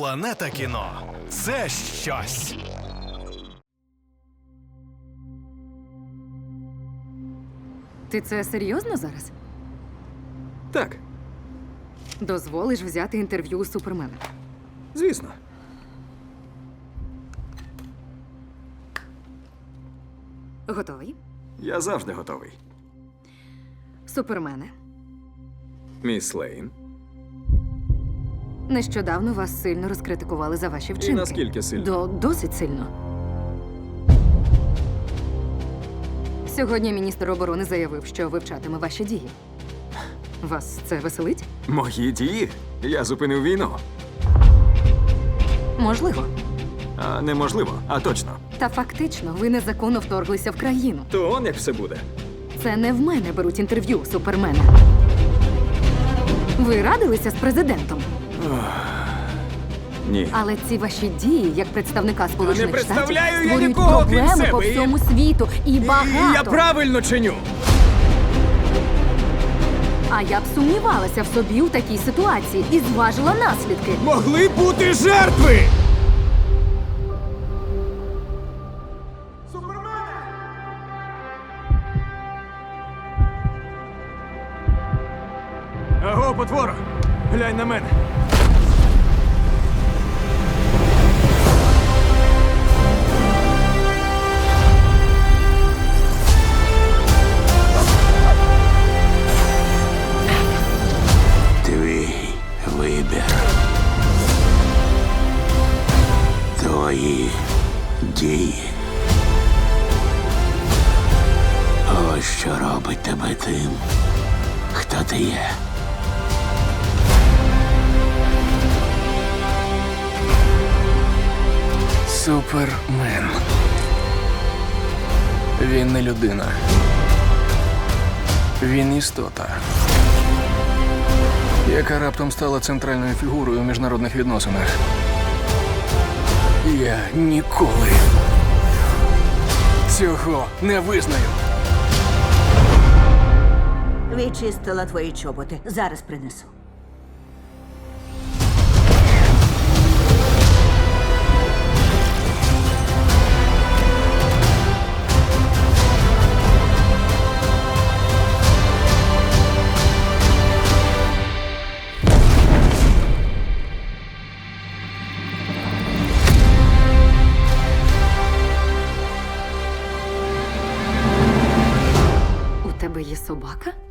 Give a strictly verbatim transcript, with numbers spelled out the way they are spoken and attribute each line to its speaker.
Speaker 1: Планета кіно – це щось.
Speaker 2: Ти це серйозно зараз?
Speaker 3: Так,
Speaker 2: Дозволиш взяти інтерв'ю у Супермена?
Speaker 3: звісно.
Speaker 2: Готовий?
Speaker 3: Я завжди готовий.
Speaker 2: Супермене,
Speaker 3: Міс Лейн.
Speaker 2: нещодавно вас сильно розкритикували за ваші вчинки.
Speaker 3: наскільки сильно?
Speaker 2: До досить сильно. Сьогодні міністр оборони заявив, що вивчатиме ваші дії. Вас це веселить?
Speaker 3: Мої дії? Я зупинив війну.
Speaker 2: Можливо.
Speaker 3: А неможливо, а точно.
Speaker 2: Та фактично ви незаконно вторглися в країну.
Speaker 3: То он як все буде.
Speaker 2: Це не в мене беруть інтерв'ю у Супермена. Ви радилися з президентом,
Speaker 3: Ні.
Speaker 2: але ці ваші дії, як представника Сполучених Штатів,
Speaker 3: представляю я
Speaker 2: створюють
Speaker 3: нікого, крім
Speaker 2: проблеми по
Speaker 3: себе, і-
Speaker 2: всьому світу. І багато.
Speaker 3: Я правильно чиню.
Speaker 2: А я б сумнівалася в собі у такій ситуації і зважила наслідки.
Speaker 3: Могли бути жертви! Аго, потвора! Глянь на мене!
Speaker 4: Твій вибір. Твої дії. Ось що робить тебе тим, хто ти є.
Speaker 5: Супермен. Він не людина. Він істота, яка раптом стала центральною фігурою у міжнародних відносинах. Я ніколи цього не визнаю.
Speaker 6: Відчистила твої чоботи. Зараз принесу.
Speaker 2: У тебе є собака?